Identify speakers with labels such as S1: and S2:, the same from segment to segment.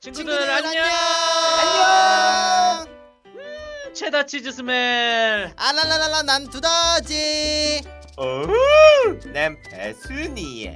S1: 친구들 안녕.
S2: 안녕.
S1: 체다 치즈 스멜.
S2: 아랄랄랄라 난 두더지.
S3: 난 배순이야.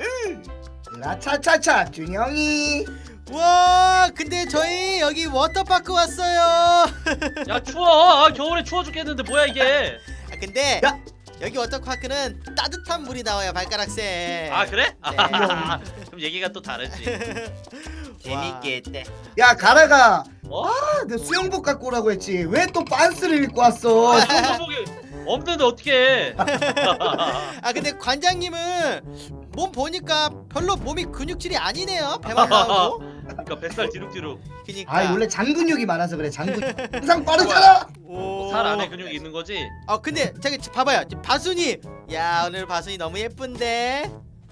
S4: 라차차차 준영이.
S2: 와 근데 저희 여기 워터파크 왔어요.
S1: 야 추워. 겨울에 추워 죽겠는데 뭐야 이게.
S2: 근데
S4: 야.
S2: 여기 워터파크는 따뜻한 물이 나와요 발가락쌤.
S1: 아 그래?
S2: 네.
S1: 그럼 얘기가 또 다르지.
S3: 재밌겠다.
S4: 야 가라가.
S1: 어?
S4: 내 수영복 갖고 오라고 했지. 왜 또 빤스를 입고 왔어?
S1: 수영복이 없는데 어떻게?
S2: 아 근데 관장님은 몸 보니까 별로 몸이 근육질이 아니네요. 배만 나오고.
S1: 그러니까 뱃살 뒤룩뒤룩.
S2: 그니까.
S4: 아 원래 장 근육이 많아서 그래. 장 근육 항상 빠르잖아.
S2: 오.
S1: 살 안에 근육이 있는 거지.
S2: 근데 저기 봐봐요. 지금 바순이. 야 오늘 바순이 너무 예쁜데.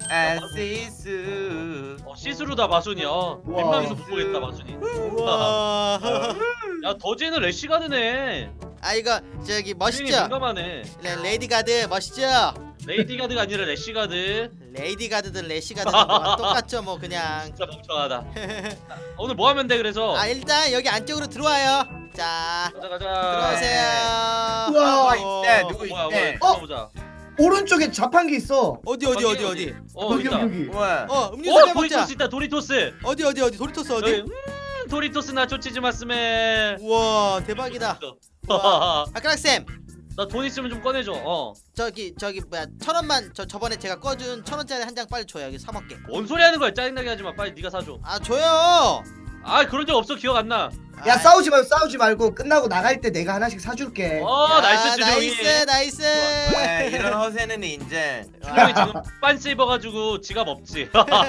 S3: 안시스.
S1: 시스루다 마순이야. 민망해서 못 보겠다 마순이.
S2: 우와.
S1: 야 더지는 래시가드네.
S2: 아 이거 저기
S1: 주인이
S2: 멋있죠?
S1: 민감하네.
S2: 레이디 가드 멋있죠?
S1: 레이디 가드가 아니라 래시가드.
S2: 레이디 가드든 래시 가드든 뭐 똑같죠 뭐 그냥.
S1: 진짜 멍청하다. 오늘 뭐 하면 돼 그래서?
S2: 아 일단 여기 안쪽으로 들어와요. 자
S1: 가자 가자.
S2: 들어오세요.
S4: 우와.
S3: 있다. 누구
S1: 뭐야
S3: 있대?
S1: 뭐야 보자.
S4: 오른쪽에 자판기 있어.
S2: 어디
S1: 여기
S4: 여기
S1: 있다.
S4: 여기.
S3: 우와.
S2: 음료수 한잔 먹자.
S1: 도리토스 있다 도리토스.
S2: 어디 도리토스
S1: 여기,
S2: 어디?
S1: 도리토스 나초 치즈 마스멜.
S2: 우와 대박이다. 아까락쌤
S1: 나 돈 있으면 좀 꺼내줘.
S2: 저기 뭐야 1,000원만 저번에 제가 꺼준 1,000원짜리 한 장 빨리 줘요. 여기 사 먹게.
S1: 뭔 소리 하는 거야? 짜증나게 하지 마. 빨리 네가 사줘.
S2: 아 줘요.
S1: 아 그런 적 없어. 기억 안 나.
S4: 야 싸우지 말고 끝나고 나갈 때 내가 하나씩 사줄게.
S1: 나이스 준영이.
S2: 나이스.
S3: 와, 이런 허세는 인정.
S1: 준영이 지금 빤스 입어가지고 지갑 없지.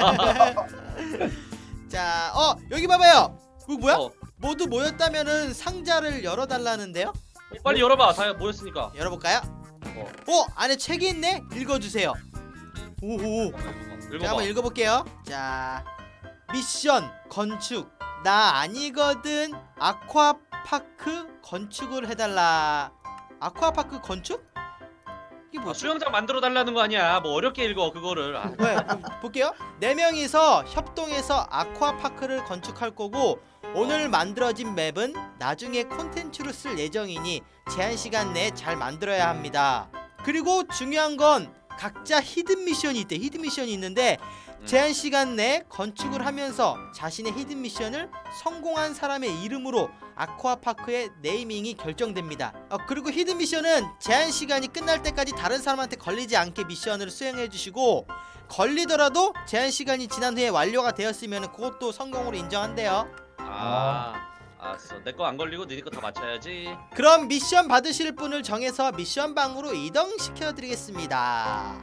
S2: 자 여기 봐봐요. 그거 뭐야?
S1: 어,
S2: 모두 모였다면은 상자를 열어달라는데요?
S1: 빨리 열어봐. 다 모였으니까.
S2: 열어볼까요? 안에 책이 있네? 읽어주세요. 오오. 제가
S1: 읽어봐.
S2: 한번 읽어볼게요. 자, 미션 건축 나 아니거든 아쿠아파크 건축을 해달라. 아쿠아파크 건축? 이게 뭐지?
S1: 수영장 만들어 달라는 거 아니야. 뭐 어렵게 읽어 그거를.
S2: 네, 그럼 볼게요. 4명이서 협동해서 아쿠아파크를 건축할 거고 오늘 만들어진 맵은 나중에 콘텐츠로 쓸 예정이니 제한 시간 내에 잘 만들어야 합니다. 그리고 중요한 건 각자 히든 미션이 있대. 히든 미션이 있는데 제한 시간 내에 건축을 하면서 자신의 히든 미션을 성공한 사람의 이름으로 아쿠아파크의 네이밍이 결정됩니다. 그리고 히든 미션은 제한 시간이 끝날 때까지 다른 사람한테 걸리지 않게 미션을 수행해 주시고 걸리더라도 제한 시간이 지난 후에 완료가 되었으면 그것도 성공으로 인정한대요.
S1: 알았어. 내 거 안 걸리고 니네 거 다 맞춰야지.
S2: 그럼 미션 받으실 분을 정해서 미션 방으로 이동시켜 드리겠습니다.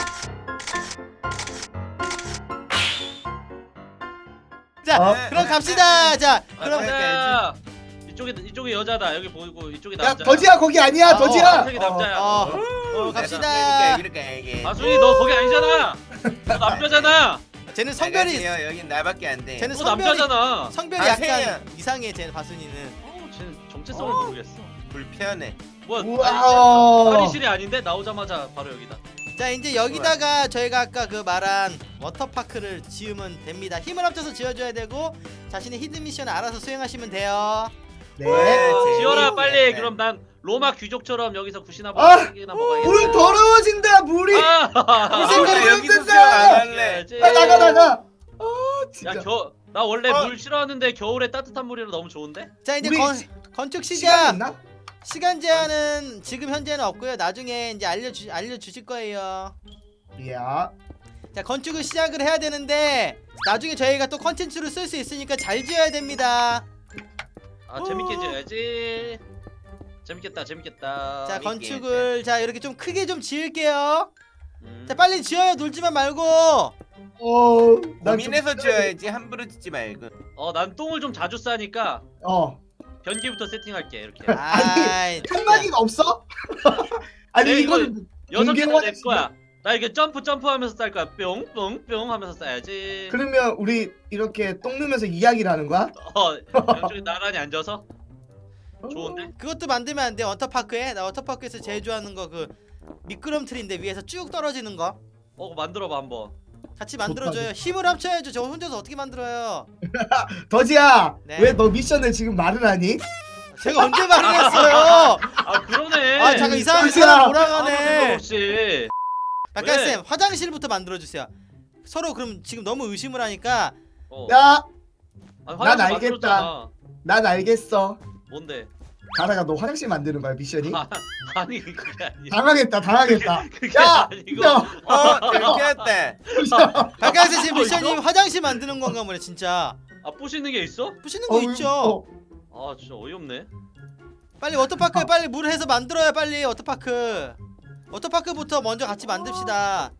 S2: 자, 그럼 갑시다. 자, 그럼
S1: 자, 이쪽이 여자다. 여기 보이고 이쪽이
S4: 야
S1: 남자.
S4: 더지야 거기 아니야 더지야.
S1: 한쪽이 남자야.
S2: 갑시다.
S3: 이렇게.
S1: 아순이 너 거기 아니잖아. 너 남자잖아.
S2: 쟤는 성별이
S3: 여긴 나밖에 안 돼.
S2: 쟤는
S1: 너 남자잖아.
S2: 성별이
S3: 아,
S2: 약간
S3: 세야.
S2: 이상해. 쟤는 바순이는.
S1: 쟤는 정체성을 모르겠어.
S3: 불편해.
S1: 뭐야?
S4: 우와.
S1: 탈의실이 아닌데 나오자마자 바로 여기다.
S2: 자, 이제 여기다가 저희가 아까 그 말한 워터파크를 지으면 됩니다. 힘을 합쳐서 지어줘야 되고 자신의 히든 미션을 알아서 수행하시면 돼요.
S4: 네.
S1: 지어라 빨리.
S3: 네.
S1: 그럼 난 로마 귀족처럼 여기서 굿이나
S4: 아,
S1: 먹기나 먹어야겠다.
S4: 물 더러워진다 물이.
S1: 아,
S4: 생각이
S3: 여기서
S4: 없는데.
S3: 수영 안 할래.
S4: 나가. 진짜.
S1: 나 원래 물 싫어하는데 겨울에 따뜻한 물이라 너무 좋은데?
S2: 자, 이제
S4: 우리
S2: 건축
S4: 시간
S2: 시작.
S4: 있나?
S2: 시간 제한은 지금 현재는 없고요. 나중에 이제 알려주실 거예요.
S4: 야.
S2: 자, 건축을 시작을 해야 되는데 나중에 저희가 또 컨텐츠로 쓸 수 있으니까 잘 지어야 됩니다.
S1: 재밌게 지어야지. 재밌겠다.
S2: 자,
S3: 재밌게
S2: 건축을 자 이렇게 좀 크게 좀 지을게요.
S1: 음.
S2: 자, 빨리 지어요. 놀지만 말고.
S4: 난
S3: 고민해서 지어야지 함부로 짓지 말고.
S1: 난 똥을 좀 자주 싸니까 변기부터 세팅할게 이렇게.
S2: 아이,
S4: 칸막이가 없어? 아니
S1: 네,
S4: 이건
S1: 6개가 내
S4: 공개화됐어.
S1: 거야. 나 이렇게 점프하면서 쌀 거야. 뿅뿅뿅 하면서 싸야지.
S4: 그러면 우리 이렇게 똥 누면서 이야기를 하는 거야?
S1: 양쪽에 나란히 앉아서. 좋은데?
S2: 그것도 만들면 안 돼. 워터파크에 나 워터파크에서 제일 좋아하는 거 그 미끄럼틀인데 위에서 쭉 떨어지는 거.
S1: 그거 만들어봐 한번.
S2: 같이 만들어줘요. 힘을 합쳐야죠. 저 혼자서 어떻게 만들어요?
S4: 더지야
S2: 네.
S4: 왜 너 미션을 지금 말을 하니?
S2: 제가 언제 말을 했어요?
S1: 아 그러네.
S2: 아 잠깐 이상하게
S4: 잠시만.
S2: 사람
S1: 아무
S2: 몰아가네.
S1: 생각 없이.
S2: 박가쌤 화장실부터 만들어주세요. 서로 그럼 지금 너무 의심을 하니까
S1: 어.
S4: 야,
S1: 아니,
S4: 난
S1: 화장실
S4: 알겠다.
S1: 만들었잖아.
S4: 난 알겠어.
S1: 뭔데?
S4: 가다가 너 화장실 만드는 거야 미션이?
S1: 아니 그게 아니야.
S4: 당황했다.
S1: 그게
S4: 야,
S1: 아니고.
S4: 야,
S3: 들켰다.
S2: 박가쌤 지금
S1: 뭐
S2: 미션이
S1: 있어?
S2: 화장실 만드는 건가 보네 진짜.
S1: 아 부시는 게 있어?
S2: 부시는 거 있죠.
S1: 아 진짜 어이없네.
S2: 빨리 워터파크 빨리 물 해서 만들어요 빨리 워터파크. 워터파크부터 먼저 같이 만듭시다.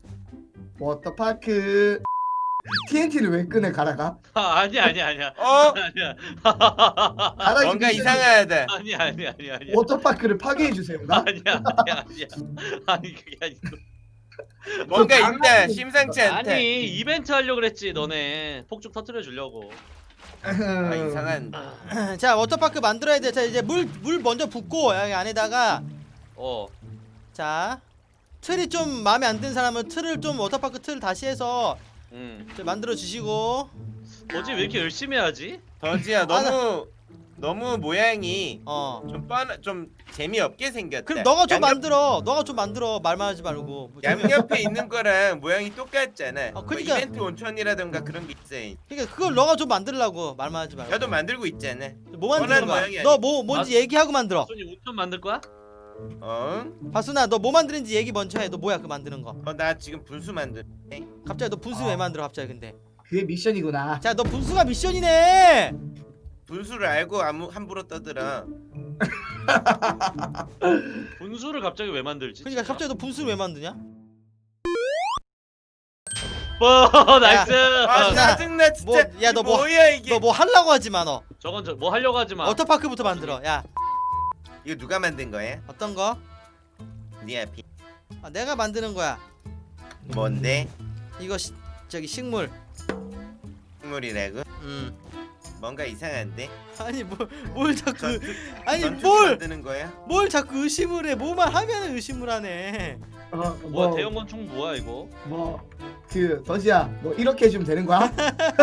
S4: 워터파크. TNT를 왜 끄네 가다가?
S1: 아니야.
S3: 어?
S1: 아니야.
S4: 가다가
S3: 뭔가
S4: 미션이
S3: 이상하다.
S1: 아니야.
S4: 워터파크를 파괴해 주세요가?
S1: 아니야. 아니 그게 아니고.
S3: 뭔가
S4: 그
S3: 있다. 심상치 않다.
S1: 아니 이벤트 하려고 그랬지 너네. 폭죽 터트려 주려고.
S3: 아 이상한.
S2: 자 워터파크 만들어야 돼. 자 이제 물 먼저 붓고 여기 안에다가
S1: 어.
S2: 자 틀이 좀 마음에 안 드는 사람은 틀을 좀 워터파크 틀 다시 해서 좀 만들어 주시고.
S1: 뭐지 왜 이렇게 열심히 하지?
S3: 더지야 너무 모양이 좀 재미없게 생겼다.
S2: 그럼 너가 좀
S3: 양옆-
S2: 만들어 말만 하지 말고. 뭐
S3: 양옆에 있는 거랑 모양이 똑같잖아. 뭐
S2: 그러니까-
S3: 이벤트 온천이라든가 그런 게 있어.
S2: 그러니까 그걸 너가 좀 만들라고 말만 하지 말고.
S3: 나도 만들고 있잖아.
S2: 뭐 만드는
S3: 원하는
S2: 거야?
S3: 모양이
S2: 너 뭐 뭔지 얘기하고 만들어.
S1: 손이 온천 만들 거야?
S3: 어?
S2: 바순아 너 뭐 만드는지 얘기 먼저 해. 너 뭐야 그 만드는 거?
S3: 나 지금 분수 만들.
S2: 갑자기 너 분수 왜 만들어 갑자기 근데?
S4: 그게 미션이구나.
S2: 자 너 분수가 미션이네.
S3: 분수를 알고 함부로 떠들어.
S1: 분수를 갑자기 왜 만들지?
S2: 그러니까 갑자기 너 분수를 왜 만드냐?
S1: 나이스.
S3: 아 짜증나 진짜.
S2: 뭐, 야, 너 뭐-
S3: 뭐야 이게?
S2: 너 뭐 하려고 하지 마 너.
S1: 저건 뭐 하려고 하지 마.
S2: 워터파크부터 만들어. 야
S3: 이거 누가 만든 거야?
S2: 어떤 거?
S3: 네 앞이.
S2: 아, 내가 만드는 거야.
S3: 뭔데?
S2: 이거 저기 식물.
S3: 식물이라고? 뭔가 이상한데?
S2: 아니 뭘 자꾸
S3: 전투
S2: 아니
S3: 전투기
S2: 뭘
S3: 만드는 거야?
S2: 자꾸 의심을 해. 뭐만 하면 의심을 하네.
S1: 뭐야 대형 건축 뭐야 이거?
S4: 그 더지야 너 이렇게 해주면 되는 거야?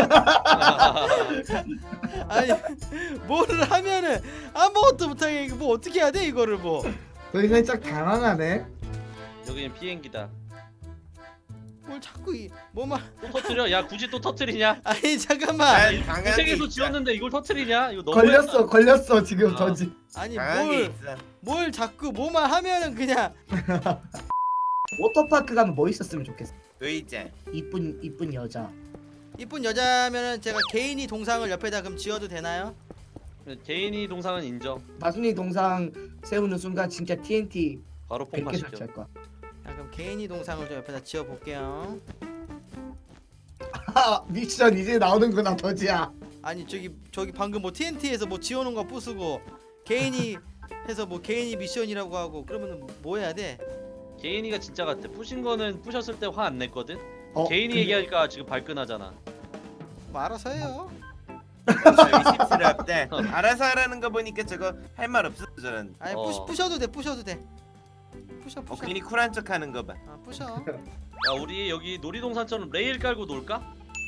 S2: 아니 뭐를 하면은 아무것도 못하게 이거 뭐 어떻게 해야 돼 이거를 뭐.
S4: 너희 살짝 당황하네.
S1: 여기는 비행기다.
S2: 뭘 자꾸 뭐만.
S1: 또 터트려? 야 굳이 또 터트리냐?
S2: 아니 잠깐만.
S3: 난 당한 게
S1: 고생해서
S3: 있어.
S1: 지었는데 이걸 터트리냐? 이거 너무
S4: 걸렸어 지금
S1: 아.
S4: 더지.
S2: 아니
S3: 당한 게 있어.
S2: 뭘 자꾸 뭐만 하면은 그냥.
S4: 워터파크 가면 뭐 있었으면 좋겠어.
S3: 의자.
S4: 이쁜 여자.
S2: 이쁜 여자면은 제가 개인이 동상을 옆에다 그럼 지어도 되나요?
S1: 개인이 동상은 인정.
S4: 마순이 동상 세우는 순간 진짜 TNT
S1: 바로
S4: 100개
S1: 폭파시켜.
S4: 설치할 거야.
S2: 자 그럼 개인이 동상을 좀 옆에다 지어 볼게요.
S4: 미션 이제 나오는구나 더지야.
S2: 아니 저기 방금 뭐 TNT에서 뭐 지어놓은 거 부수고 개인이 해서 뭐 개인이 미션이라고 하고 그러면은 뭐 해야 돼?
S1: 개인이가 진짜 같아. 부신 거는 부셨을 때 화 안 냈거든. 개인이
S4: 근데-
S1: 얘기하니까 지금 발끈하잖아.
S2: 뭐 알아서 해요.
S3: 의심스럽다. 알아서 하라는 거 보니까 저거 할 말 없어 저런.
S2: 아니
S1: 어.
S2: 부셔도 돼. 부셔.
S3: 괜히 쿨한 척하는 거 봐.
S2: 아 부셔.
S1: 야 우리 여기 놀이동산처럼 레일 깔고 놀까?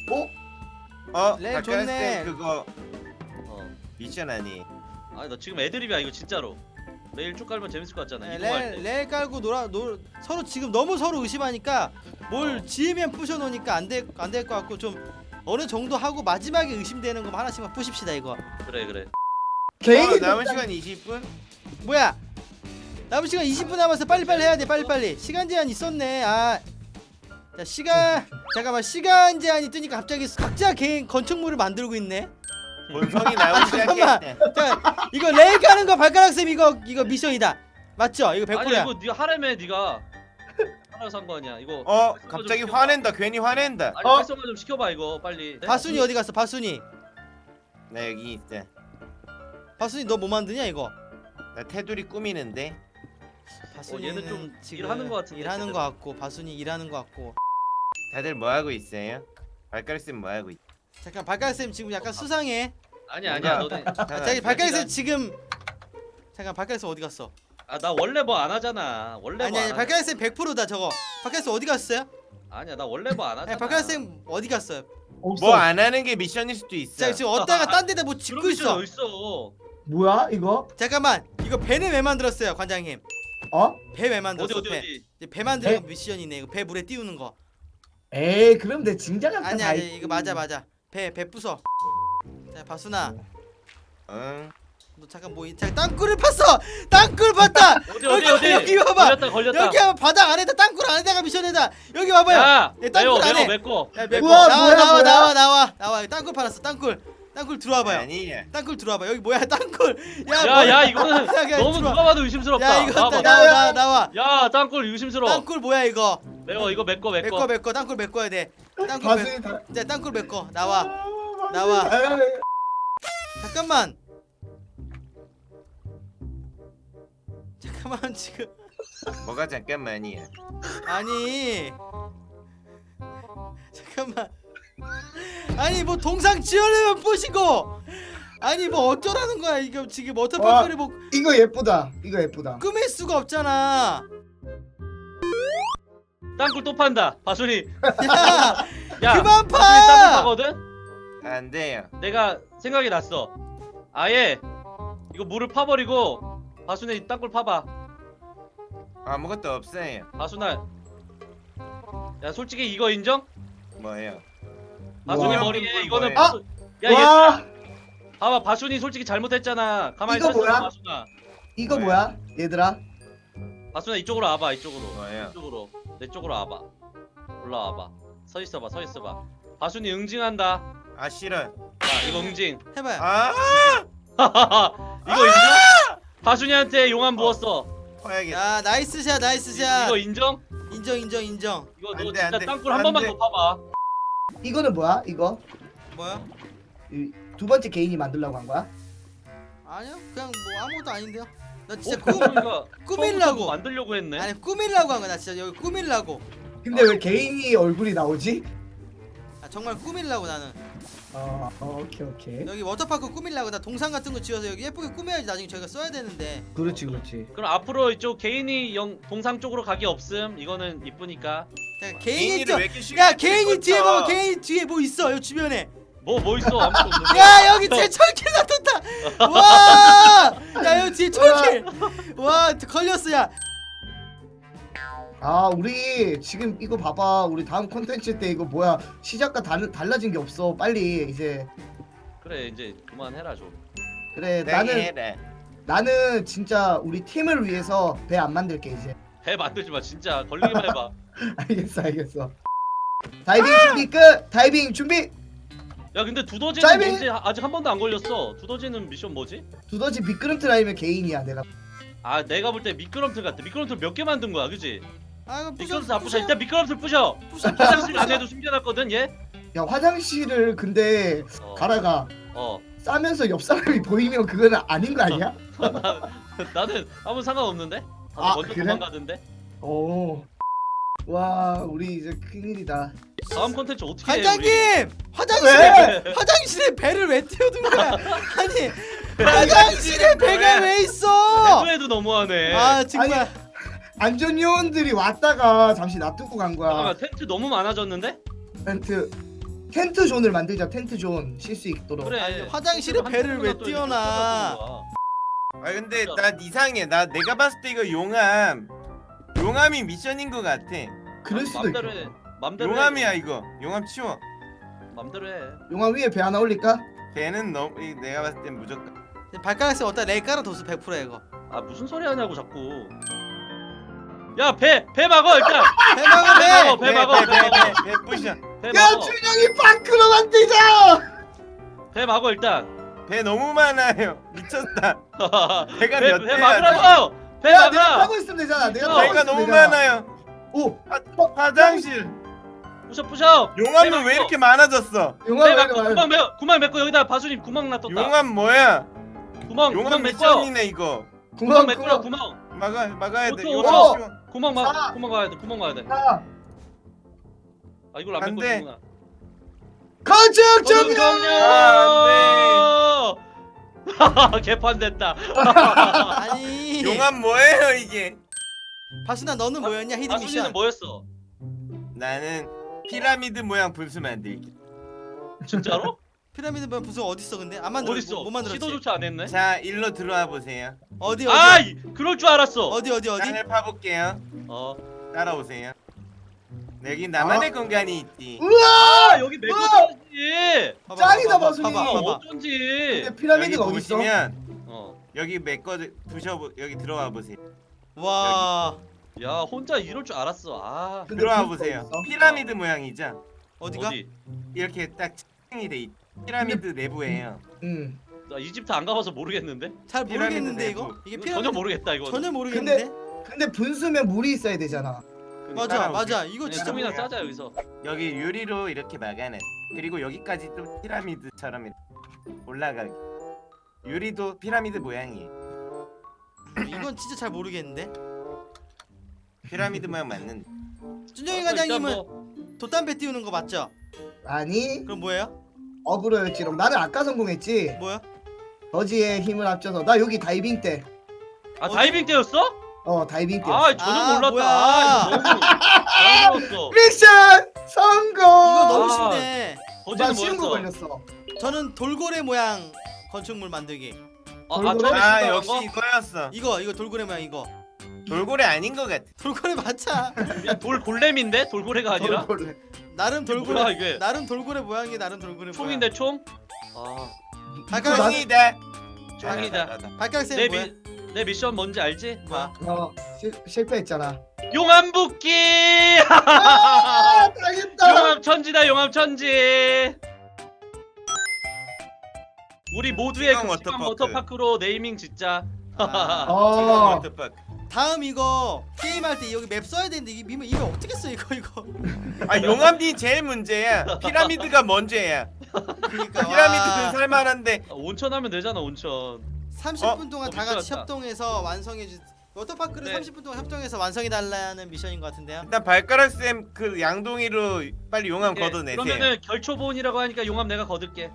S2: 네,
S3: 바깥
S2: 좋네.
S3: 때 그거
S1: 어.
S3: 미션 아니.
S1: 아니 나 지금 애드립이야 이거 진짜로. 레일 쭉 깔면 재밌을 것 같잖아. 이동할 때.
S2: 레일 깔고 서로 지금 너무 서로 의심하니까 뭘 지으면 부셔 놓으니까 안 될 것 같고 좀 어느 정도 하고 마지막에 의심되는 거 하나씩만 부십시다 이거.
S1: 그래.
S4: 개인
S3: 남은 시간 20분?
S2: 뭐야? 남은 시간 20분 남았어. 빨리빨리 해야 돼. 빨리빨리. 시간 제한 있었네. 자 잠깐만 시간 제한이 뜨니까 갑자기 각자 개인 건축물을 만들고 있네.
S3: 본성이 나오기
S2: 잠깐만.
S3: 시작했대.
S2: 자 이거 레일 까는 거 발가락 쌤 이거 미션이다. 맞죠? 이거 100%야.
S1: 아니 이거 네가 하라며 네가. 하라고 산 거 아니야. 이거.
S3: 갑자기 화낸다. 괜히 화낸다.
S1: 아니 활성화 좀 시켜봐 이거 빨리.
S2: 바순이 어디 갔어? 바순이.
S3: 나 여기 있어.
S2: 바순이 너 뭐 만드냐 이거?
S3: 나 테두리 꾸미는데.
S2: 바순이는
S1: 얘는 좀
S2: 지금
S1: 일하는 거 같은데,
S2: 일하는
S1: 제대로.
S2: 거 같고 바순이 일하는 거 같고.
S3: 다들 뭐 하고 있어요? 발가락 쌤뭐 하고 있?
S2: 잠깐 발가락 쌤 지금 약간 수상해.
S1: 아니야 너네.
S2: 저기 발가락 쌤 지금 잠깐 발가락 쌤 어디 갔어?
S1: 나 원래 뭐 안 하잖아. 원래
S2: 아니
S1: 뭐 안
S2: 발가락 쌤 100%다 저거. 발가락 쌤 어디 갔어요?
S1: 아니야 나 원래 뭐 안 하잖아.
S2: 박가락쌤 어디 갔어요?
S4: 없어.
S3: 뭐 안 하는 게 미션일 수도 있어.
S2: 자 지금 어디다가 딴 데다 뭐 짓고
S1: 그런
S2: 있어.
S1: 미션 어딨어.
S4: 뭐야 이거?
S2: 잠깐만 이거 배는 왜 만들었어요 관장님?
S4: 어?
S2: 배 왜
S1: 어디
S2: 만들었어?
S1: 어디
S2: 배.
S1: 어디.
S2: 배 만드는
S4: 배?
S2: 미션이네. 이거 배 물에 띄우는 거.
S4: 에이 그럼 내 진작에
S2: 아니 아니 이거 맞아. 배 부숴. 자 바순아
S3: 응.
S2: 너 잠깐 잠깐 땅굴을 팠어. 땅굴 팠다.
S1: 어디
S2: 여기 봐봐.
S1: 걸렸다.
S2: 여기 하면 바닥 안에다 땅굴 안에다가 미션에다. 여기 봐봐요.
S1: 야
S2: 예, 땅굴 안에.
S1: 메꿔.
S2: 야, 메꿔.
S4: 우와,
S2: 나와. 여기 땅굴 팔았어. 땅굴 들어와봐요.
S3: 아니야.
S2: 땅굴 들어와봐. 여기 뭐야 땅굴.
S1: 야 이거는
S2: 야,
S1: 너무
S2: 들어와.
S1: 누가 봐도 의심스럽다.
S2: 야 이거
S1: 봐봐.
S2: 나와.
S1: 야 땅굴 의심스러워.
S2: 땅굴 뭐야 이거?
S1: 메꿔 이거 메꿔.
S2: 메꿔 땅굴 메꿔야 돼. 땅굴
S4: 바순이 다.
S2: 자 땅굴 메꿔. 나와.
S4: 아,
S2: 나와.
S4: 바순이 다-
S2: 잠깐만 지금
S3: 뭐가 잠깐만이야.
S2: 아니 잠깐만 아니 뭐 동상 지으려면 부시고 아니 뭐 어쩌라는 거야 이거 지금 워터파크를 뭐
S4: 이거 예쁘다. 이거 예쁘다.
S2: 꾸밀 수가 없잖아.
S1: 땅굴 또 판다. 바순이.
S2: 야
S1: 야
S2: 그만
S1: 바순이 땅굴
S2: 파.
S1: 파거든.
S3: 안 돼요.
S1: 내가 생각이 났어. 아예 이거 물을 파버리고 바순이 땅굴 파봐.
S3: 아무것도 없어요.
S1: 바순아. 야 솔직히 이거 인정?
S3: 뭐예요?
S1: 바순이
S4: 와.
S1: 머리에 이거는
S3: 뭐예요?
S1: 바순- 야 얘.
S4: 와
S1: 봐봐 바순이 솔직히 잘못했잖아. 가만히
S4: 이거
S1: 서 있어
S4: 뭐야?
S1: 바순아.
S4: 이거
S3: 뭐야?
S4: 뭐야 얘들아?
S1: 바순아 이쪽으로 와봐 이쪽으로.
S3: 뭐예요?
S1: 이쪽으로 내 쪽으로 와봐. 올라와봐. 서 있어봐. 바순이 응징한다.
S3: 아 싫어.
S1: 자 이거 응징.
S2: 해봐요.
S3: 아
S1: 이거 인정? 바순이한테 용암 부었어.
S3: 봐야겠다.
S2: 야 나이스 샷
S1: 이거 인정?
S2: 인정.
S1: 이거 너
S3: 안 돼,
S1: 진짜
S3: 안 돼.
S1: 땅굴 한
S3: 안
S1: 번만
S3: 돼.
S1: 더 파봐.
S4: 이거는 뭐야? 이거
S2: 뭐야?
S4: 두 번째 개인이 만들려고 한 거야?
S2: 아니요 그냥 뭐 아무것도 아닌데요. 나
S1: 어,
S2: 진짜
S1: 바순이가
S2: 꾸밀라고.
S1: 처음부터 만들려고 했네.
S2: 아니 꾸밀라고 한 거야. 나 진짜 여기 꾸밀라고.
S4: 근데 왜 개인이 얼굴이 나오지?
S2: 아 정말 꾸밀라고 나는.
S4: 오케이.
S2: 여기 워터파크 꾸밀라고 나 동상 같은 거 지어서 여기 예쁘게 꾸며야지 나중에 저희가 써야 되는데.
S4: 그렇지.
S1: 그럼 앞으로 이쪽 개인이 동상 쪽으로 가기 없음. 이거는 이쁘니까.
S2: 자, 개인이
S3: 개인이를
S2: 또
S3: 왜 이렇게 쉽게
S2: 야 개인이
S3: 찍었어?
S2: 뒤에 봐봐. 개인이 뒤에 뭐 있어 여기 주변에.
S1: 뭐 있어 아무것도 없는데.
S2: 야 여기 제 철길 놔뒀다. 와. 야 여기 뒤에 철길. 와 걸렸어 야.
S4: 아 우리 지금 이거 봐봐. 우리 다음 콘텐츠 때 이거 뭐야 시작과 달라진 게 없어. 빨리 이제
S1: 그래 이제 그만해라 좀.
S4: 그래
S3: 네,
S4: 나는 진짜 우리 팀을 위해서 배 안 만들게 이제.
S1: 배 만들지 마 진짜. 걸리기만 해봐.
S4: 알겠어. 다이빙 준비.
S1: 야 근데 두더지는
S4: 짧이-
S1: 뭔지 아직 한 번도 안 걸렸어. 두더지는 미션 뭐지?
S4: 두더지 미끄럼틀 아니면 개인이야 내가.
S1: 아 내가 볼 때 미끄럼틀 같아. 미끄럼틀 몇 개 만든 거야 그지?
S2: 아 이거
S1: 미끄럼틀 안 부셔. 일단 미끄럼틀 부셔. 화장실 안에도 숨겨놨거든 얘.
S4: 야 화장실을 근데
S1: 어.
S4: 가라가
S1: 어.
S4: 싸면서 옆 사람이 보이면 그거는 아닌 거 아니야?
S1: 나는 아무 상관없는데? 다들
S4: 아,
S1: 먼저
S4: 그래?
S1: 도망가던데?
S4: 오. 와 우리 이제 큰일이다.
S1: 다음 콘텐츠 어떻게 해 우리?
S2: 관장님
S4: 왜?
S2: 화장실에 배를 왜 띄워둔 거야? 아니 화장실에 배가 왜 있어?
S1: 해도 너무하네.
S2: 아 정말.
S4: 안전 요원들이 왔다가 잠시 놔두고 간 거야.
S1: 잠깐만 텐트 너무 많아졌는데?
S4: 텐트 존을 만들자. 텐트 존 쉴 수 있도록.
S1: 그래.
S2: 아니, 화장실에
S1: 한
S2: 배를 왜
S1: 또
S2: 띄워놔?
S1: 이렇게 꽂아둔 거야.
S3: 아 근데 나 이상해. 내가 봤을 때 이거 용암이 미션인 것 같아.
S4: 그럴 수도
S1: 맘대로
S4: 있고.
S1: 해. 맘대로
S3: 용암이야
S1: 해.
S3: 이거. 용암 치워.
S1: 맘대로 해.
S4: 용암 위에 배 하나 올릴까?
S3: 걔는 내가 봤을 땐 무조건.
S2: 발가락에 어디다 레 깔아 뒀어 100%야 이거.
S1: 아 무슨 소리 하냐고 자꾸. 야 배 막어 일단.
S2: 배 막아 배.
S1: 배 막어.
S3: 배 부셔.
S1: 배
S4: 야
S1: 막어.
S4: 준영이 방크로 만들자.
S1: 배 막어 일단.
S3: 배 너무 많아요. 미쳤다. 배가
S1: 배
S3: 몇 대야?
S1: 막으라고. 배
S4: 야 내가
S1: 막아.
S4: 타고 있으면 되잖아. 내가 타고
S3: 배가
S4: 있으면
S3: 너무
S4: 되잖아.
S3: 많아요.
S4: 오
S3: 화장실.
S1: 부셔.
S3: 용암은 왜 이렇게 많아졌어?
S4: 용암
S1: 배
S4: 왜
S1: 막고
S4: 이렇게
S1: 구멍 메고 여기다 바수님 구멍 놔뒀다.
S3: 용암 뭐야?
S1: 구멍
S3: 용암
S1: 메꿔.
S3: 미션이네 이거.
S1: 구멍 메꾸라 구멍.
S3: 막아야 돼.
S1: 오토,
S3: 용암
S4: 오토.
S3: 치워.
S1: 구멍
S4: 아.
S1: 구멍 가야 돼. 구멍 가야 돼.
S4: 자
S1: 아 이걸 안
S3: 안
S1: 메꿔
S3: 돼.
S1: 주구나.
S4: 건축 종료.
S1: 아, 개판됐다.
S2: 아니.
S3: 용암 뭐예요 이게?
S2: 바순아 너는 뭐였냐 히든
S1: 바수님은
S2: 미션.
S1: 뭐였어?
S3: 나는 피라미드 모양 분수 만들기.
S1: 진짜로?
S2: 피라미드 뭐 부서 어디 있어 근데? 안 만들어.
S1: 어딨어?
S2: 못 만들었지.
S1: 시도조차 안 했네.
S3: 자, 일로 들어와 보세요.
S2: 어디
S1: 아,
S2: 어디?
S1: 그럴 줄 알았어.
S2: 어디?
S3: 땅을 파볼게요.
S1: 어.
S3: 따라오세요. 여기 나만의 공간이 있지.
S4: 우와!
S1: 아, 여기 메꿔줘야지.
S4: 짱이다, 마술이.
S1: 아,
S2: 봐봐.
S1: 어쩐지.
S4: 근데 피라미드가
S3: 여기
S4: 어디 있어?
S3: 보시면
S1: 어.
S3: 여기 메꿔 부셔 여기 들어와 보세요.
S2: 와.
S1: 야, 혼자 이럴 줄 알았어. 아.
S4: 근데
S3: 들어와
S4: 불도
S3: 보세요.
S4: 있어?
S3: 피라미드 모양이죠?
S2: 어디가?
S1: 어디?
S3: 이렇게 딱 층이 돼 있. 피라미드 내부예요.
S4: 응.
S1: 나 이집트 안 가봐서 모르겠는데.
S2: 잘 모르겠는데
S3: 피라미드
S2: 이거?
S3: 내부.
S2: 이게
S1: 전혀
S2: 피라미드
S1: 모르겠다 이거.
S2: 전혀 모르겠는데?
S4: 근데 분수면 물이 있어야 되잖아.
S2: 맞아
S3: 따라오세요.
S2: 맞아. 이거 진짜
S1: 조금이나
S2: 모르...
S1: 짜자 여기서.
S3: 여기 유리로 이렇게 막아내. 그리고 여기까지 또 피라미드처럼 이렇게 올라가기. 유리도 피라미드 모양이에요.
S2: 이건 진짜 잘 모르겠는데.
S3: 피라미드 모양 맞는.
S2: 준영이
S1: 일단
S2: 과장님은
S1: 뭐,
S2: 돛담배 띄우는 거 맞죠?
S4: 아니
S2: 그럼 뭐예요?
S4: 어그로였지롱. 나는 아까 성공했지.
S2: 뭐야?
S4: 더지의 힘을 합쳐서 나 여기 다이빙 때.
S1: 아 다이빙 때였어?
S4: 다이빙 때.
S1: 아 저는
S2: 아,
S1: 몰랐다.
S2: 뭐야.
S1: 아, 이거 너무 잘먹었어.
S4: 미션 성공.
S2: 이거 너무
S1: 아.
S2: 쉽네.
S4: 나
S1: 어제는
S4: 쉬운 거
S1: 뭐였어?
S4: 걸렸어.
S2: 저는 돌고래 모양 건축물 만들기.
S1: 처음에
S3: 아
S1: 신고한
S3: 역시
S1: 거?
S3: 이거였어.
S2: 이거 돌고래 모양 이거.
S3: 돌고래 아닌 것 같아.
S2: 돌고래 맞자.
S1: 야, 돌골렘인데 돌고래가 아니라?
S4: 돌고래.
S2: 나름
S1: 이게
S2: 돌고래.
S1: 뭐야, 이게?
S2: 나름 돌고래 모양이 나름 돌고래
S1: 총인데 총? 아
S2: 아까
S4: 나-
S3: 총이다.
S1: 총이다.
S2: 모양. 발가락쌤
S1: 내,
S2: 뭐야?
S1: 내 미션 뭔지 알지?
S2: 뭐야?
S4: 실패했잖아.
S1: 용암 붓기!
S4: 아, 당했다.
S1: 용암 천지다 용암 천지. 우리 모두의
S3: 지방
S1: 그 지방
S3: 워터파크.
S1: 워터파크로 네이밍 짓자.
S2: 아.
S3: 지금
S4: 어.
S3: 워터파크.
S2: 다음 이거 게임할 때 여기 맵 써야 되는데 이게 이거 어떻게 써 이거?
S3: 아 용암이 제일 문제야. 피라미드가 먼저야.
S2: 그러니까
S3: 피라미드는 살만한데
S1: 온천 하면 되잖아 온천.
S2: 30분 동안 다 같이
S1: 미쳤다.
S2: 협동해서 완성해 주. 워터파크를
S1: 네.
S2: 30분 동안 협동해서 완성해 달라는 미션인 것 같은데요.
S3: 일단 발가락 쌤 그 양동이로 빨리 용암
S1: 오케이.
S3: 걷어내세요.
S1: 그러면은 결초본이라고 하니까 용암 내가 거둘게.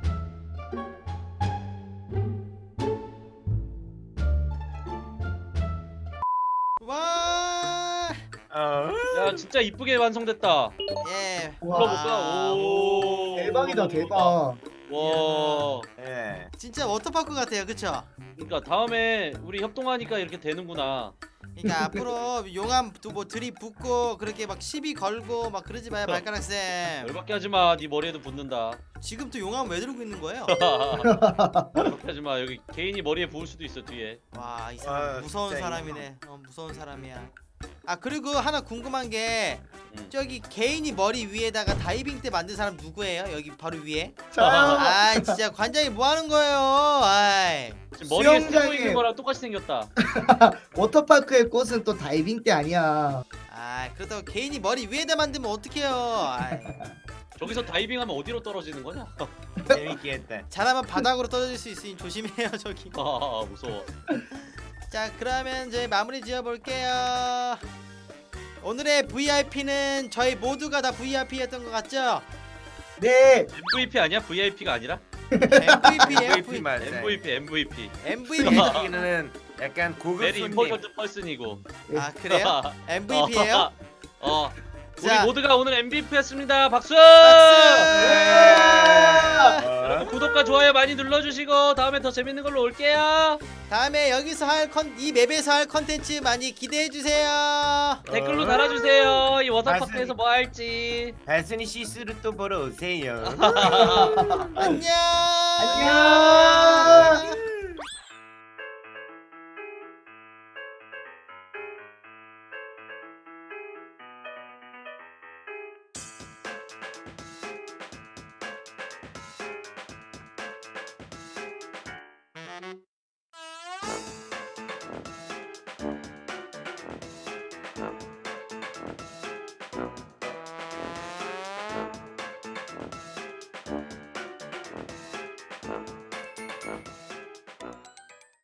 S2: 와.
S1: 야 진짜 이쁘게 완성됐다.
S2: 예.
S1: 불러볼까? 오.
S4: 대박이다 대박.
S1: 와.
S3: 예.
S2: 진짜 워터파크 같아요, 그쵸?
S1: 그러니까 다음에 우리 협동하니까 이렇게 되는구나.
S2: 그러니까 앞으로 용암 뭐 들이붓고 그렇게 막 시비 걸고 막 그러지 마요, 발가락 쌤.
S1: 열받게 하지 마. 네 머리에도 붙는다.
S2: 지금 또 용암 왜 들고 있는 거예요?
S1: 열받게 하지 마. 여기 개인이 머리에 부을 수도 있어 뒤에.
S2: 와, 이 사람
S3: 아,
S2: 무서운
S3: 진짜
S2: 사람이네. 무서운 사람이야. 아 그리고 하나 궁금한 게
S1: 음.
S2: 저기 개인이 머리 위에다가 다이빙 때 만든 사람 누구예요? 여기 바로 위에?
S4: 자,
S2: 아 진짜 관장이 뭐 하는 거예요? 아이.
S1: 지금 머리에 쓰고
S4: 수영장에-
S1: 있는 거랑 똑같이 생겼다.
S4: 워터파크의 꽃은 또 다이빙 때 아니야.
S2: 아 그렇다고 개인이 머리 위에다 만들면 어떡해요? 아이.
S1: 저기서 다이빙하면 어디로 떨어지는 거냐?
S3: 재밌게 했다.
S2: 잘하면 바닥으로 떨어질 수 있으니 조심해요 저기.
S1: 아 무서워.
S2: 자 그러면 이제 마무리 지어볼게요. 오늘의 VIP는 저희 모두가 다 VIP였던 것 같죠?
S4: 네.
S1: MVP 아니야? VIP가 아니라?
S2: MVP예요.
S3: MVP 맞아.
S1: MVP MVP.
S2: MVP.
S3: MVP는 약간 고급
S1: 베리
S3: 손님.
S1: 임포턴트 펄슨이고.
S2: 아 그래요? MVP예요?
S1: 우리
S2: 자.
S1: 모두가 오늘 MVP였습니다. 박수! 여러분 구독과 좋아요 많이 눌러주시고 다음에 더 재밌는 걸로 올게요.
S2: 다음에 여기서 이 맵에서 할 컨텐츠 많이 기대해 주세요.
S1: 댓글로 달아주세요. 이 워터파크에서 뭐 할지.
S3: 달순이 시스루 또 보러 오세요.
S2: 안녕.
S4: 안녕.